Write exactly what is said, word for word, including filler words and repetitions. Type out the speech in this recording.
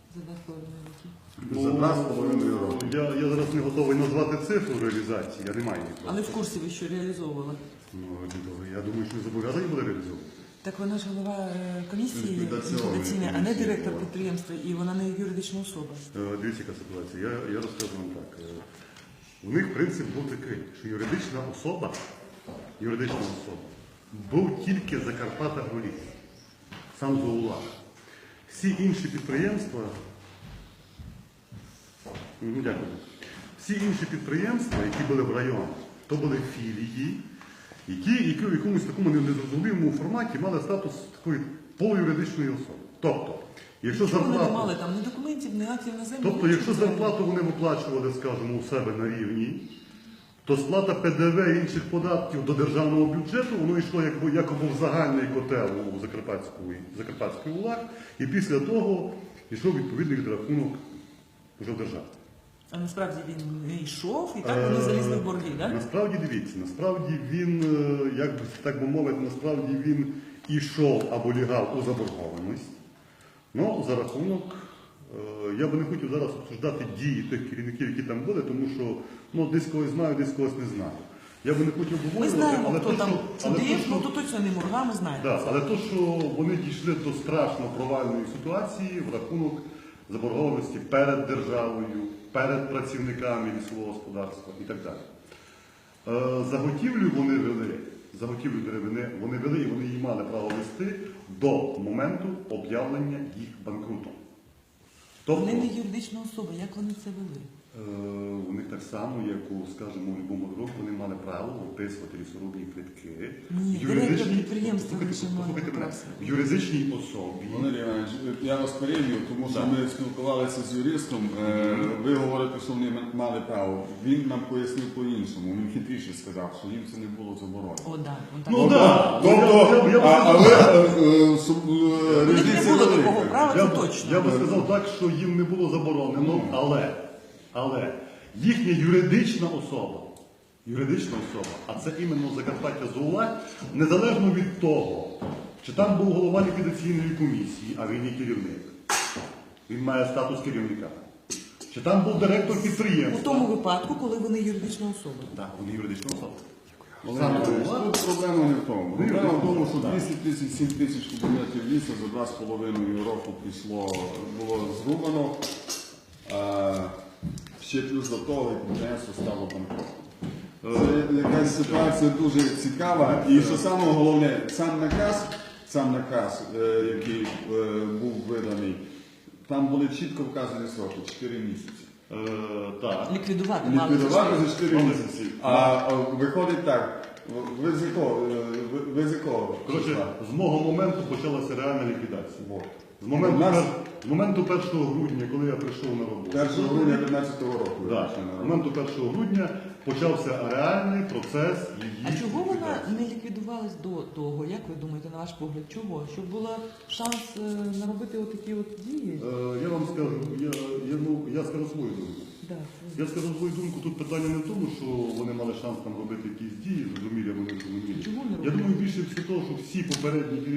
За два з половиною роки. За два з половиною роки. Я, я зараз не готовий назвати цифру реалізації, я не маю її. Але в курсі ви що реалізовували? Ну, я думаю, що не зобов'язані буде реалізовувати. Так вона ж голова е, комісії Ліквідаційної ліквідаційної, а не комісії директор була. підприємства, і вона не юридична особа. Е, Дивіться, яка ситуація. Я, я розкажу вам так. Е, У них принцип був такий, що юридична особа, юридична особа був тільки Закарпата Агроліс, сам ЗОУЛА. Всі інші підприємства, ну, дякую. Всі інші підприємства, які були в районі, то були філії, які, які в якомусь такому незрозумілому форматі мали статус такої полуюридичної особи. Тобто, якщо Чому вони не зарплату, мали там ні документів, ні актів на землю? тобто, якщо нічого. зарплату вони виплачували, скажімо, у себе на рівні, то сплата Пе Де Ве і інших податків до державного бюджету, воно йшло якби, якоби в загальний котел у Закарпатської, Закарпатської УЛАГ, і після того йшов відповідний відрахунок вже в державі. А насправді він не йшов, і так вони залізли в борги, так? Насправді, дивіться, насправді він, е, як би так би мовити, насправді він ішов або лягав у заборгованість. Ну, за рахунок, е, я би не хотів зараз обсуждати дії тих керівників, які там були, тому що ну, десь когось знаю, десь когось не знаю. Я би не хотів Ми обговорювати, знаємо, але хто то, там що, але то, чудив, що- ну то точно не Мурга, ми знаємо. Да, але то, що вони дійшли до страшно провальної ситуації в рахунок заборгованості перед державою, перед працівниками лісового господарства і так далі. Е, Заготівлю вони вели, заготівлю деревини вони вели і вони її мали право вести до моменту об'явлення їх банкрутом. Тобто, Вони не юридична особа, як вони це вели? Е, у них так само, як у, скажімо, у будь-якому року, вони мали право виписувати лісорубні квитки. Ні, В директор юридичній- підприємства Послухайте, лише має послухайте мене. право. В юридичній особі. Валерій Іванович, я вас переб'ю, тому що Да. ми спілкувалися з юристом. Е, Ви говорите, що вони мали право. Він нам пояснив по-іншому. Він хитріше сказав, що їм це не було заборонено. О, да, он так. Ну, да. Тобто, Я б- я б а, сказав- але е, е, суб- е, У них не різниця було велика. такого права, Я, це б- точно. я би сказав так, що їм не було заборонено, але, але їхня юридична особа, юридична особа, а це іменно Закарпаття ЗОУЛА, незалежно від того, чи там був голова ліквідаційної комісії, а він є керівник, він має статус керівника, чи там був директор У підприємства. тому випадку, коли вони юридична особа. Так, вони юридична особа. Валерій Іванович, тут проблема не в тому. Проблема в тому, що двісті тридцять сім тисяч кубометрів лісу за два з половиною року пішло, було зрубано. А, ще плюс до того підприємство стало банкротом. Це якась ситуація дуже цікава. І що саме головне, сам наказ, сам наказ, е, який е, був виданий, там були чітко вказані сроки чотири місяці. Е, так. Ліквідувати мали. Ліквідувати за чотири Мали. місяці. А, а виходить так, ви з якого, е, ви, ви з якого? Коротше, числа? з мого моменту почалася реальна ліквідація. Вот. З моменту, У нас- пер- з моменту першого грудня, коли я прийшов на роботу. першого грудня п'ятнадцятого року. ви Да. прийшли на З роботу. моменту першого грудня почався реальний процес її. А чого вона ліквідації. не ліквідувалась до того, як ви думаєте, на ваш погляд? Чого? Щоб був шанс е, наробити отакі от дії? Е, Я вам скажу, я, я, ну, я скажу свою думку. Да. Я скажу свою думку, тут питання не в тому, що вони мали шанс там робити якісь дії, зрозумілі, або не зрозумілі. Чому не Я робили? думаю, більше все того, що всі попередні